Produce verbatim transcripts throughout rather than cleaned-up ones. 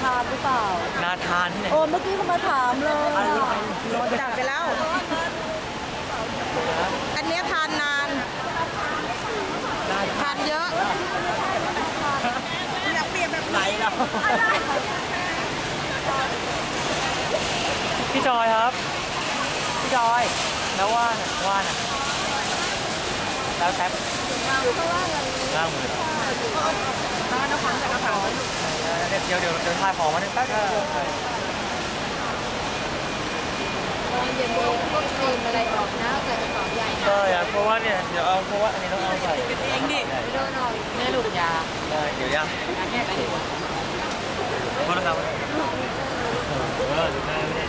ทานหรือเปล่านาทานที่ไหนโอ้เมื่อกี้เขามาถามเลยจัดไปแล้วอันนี้ทานนานทานเยอะอยากเปลี่ยนแบบไหนเราพี่จอยครับพี่จอยแล้วว่าน่ะว่าน่ะแล้วแท็บล่างมือถ้าน้ำพันจะกระเป๋าเดี๋ยวเดี๋ยวเดี๋ยวถ่ายของมาหนึ่งแป๊บตอนเย็นๆพวกครีมอะไรออกนะใส่กระเป๋าใหญ่นะใช่ครับเพราะว่าเนี่ยเดี๋ยวเอาเพราะว่าอันนี้ต้องเอาใส่เองดิไม่โดนหน่อยแม่ลูกยาได้เดี๋ยวยาแม่ไปดูโทษนะครับเออดูหน้าไม่ได้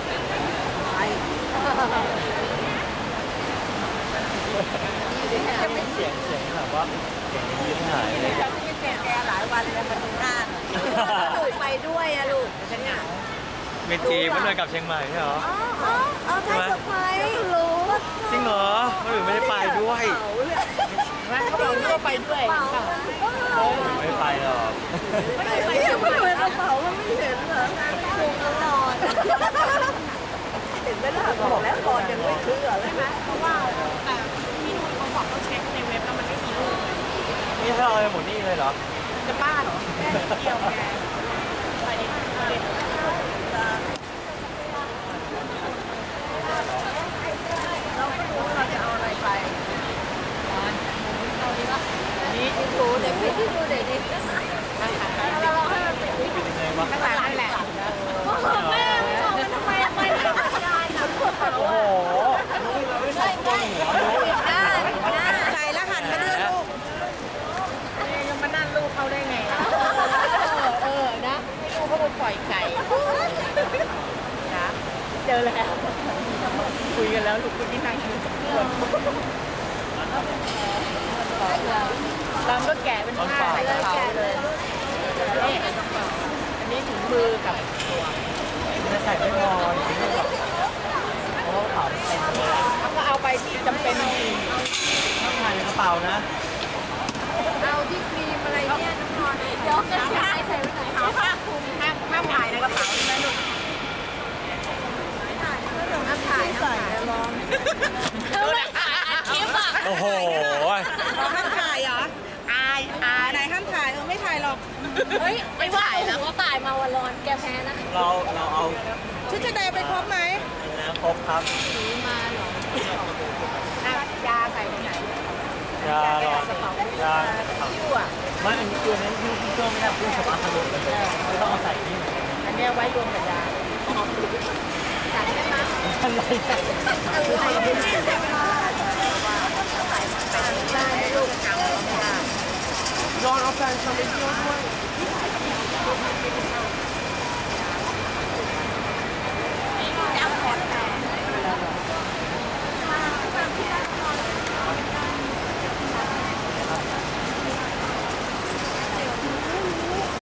จะไม่เสียงเสียงแบบว่าเสียงยิ้มหายเลยจะไม่แก่แกหลายวันเลยมาดูหน้าลูกไปด้วยอะลูกจะเหงาเมจีมันเลยกับเชียงใหม่ใช่เหรออ๋ออ๋อเอาไทยสไปรู้จริงเหรอมันถึงไม่ได้ไปด้วยไม่เขาบอกว่าไปด้วยไม่ไปหรอกไม่ไปเดี๋ยวไม่กระเป๋ามันไม่เห็นเหรอถูกตลอดเห็นไหมล่ะบอกแล้วก่อนยังไม่เชื่อใช่ไหมเพราะว่าแต่พี่นุ่นเขาบอกเขาเช็คในเว็บแล้วมันไม่มีรูปเลยนี่ถ้าเราไปหมดนี่เลยเหรอจะบ้าเหรอแม่เกี่ยวแกไปดิไปดิเราไม่รู้เราจะเอาอะไรไปนี่ดูเด็กพี่ดูเด็กดิเราเราให้มันเป็นวิธีข้างหลังนั่นแหละแม่ชอบมันทำไมไม่ได้ได้นะโอ้โหไม่ไม่ได้ใส่แล้วหันมาดูลูกยังมานั่นลูกเขาได้ไงเออนะลูกเขาไปปล่อยไก่นะเจอแล้วคุยกันแล้วลูกคนที่นั่งอยู่เราก็แกะเป็นผ้าใส่กระเป๋าเลยนี่อันนี้ถุงมือกับตัวจะใส่ไม่พอจริงๆหรอกเพราะว่าเป๋าเต็มเลยเขาก็เอาไปที่จำเป็นจริงต้องถ่ายในกระเป๋านะเอาที่ครีมอะไรเนี่ยน้ำนอนเดี๋ยวจะใช้ใส่ไว้ไหนเอาผ้าคลุมห้ามห้ามถ่ายในกระเป๋าใช่ไหมลูกถ่ายก็เดี๋ยวน้ำถ่ายใส่ลองเขาไม่ถ่ายอัดคลิปอ่ะโอ้โหห้ามถ่ายเหรออายอายไหนห้ามถ่ายเออไม่ถ่ายหรอกเฮ้ยไม่ถ่ายแล้วก็ถ่ายมาวันร้อนแกแพ้นะเราเราเอาชุดชั้นในไปครบไหมนะครบครับซื้อมาหรอยาใส่ไหนยาหรอยาคิ้วอ่ะไม่อันนี้ตัวนี้คิ้วคิ้วไม่ได้คิ้วสปาร์ตเลยไม่ต้องเอาใส่นี่อันนี้ไว้รวมกับยาใส่ได้ไหมอะไรอะไรได้ลูกย้อนเอาแฟนชาวเล็กย้อนด้วย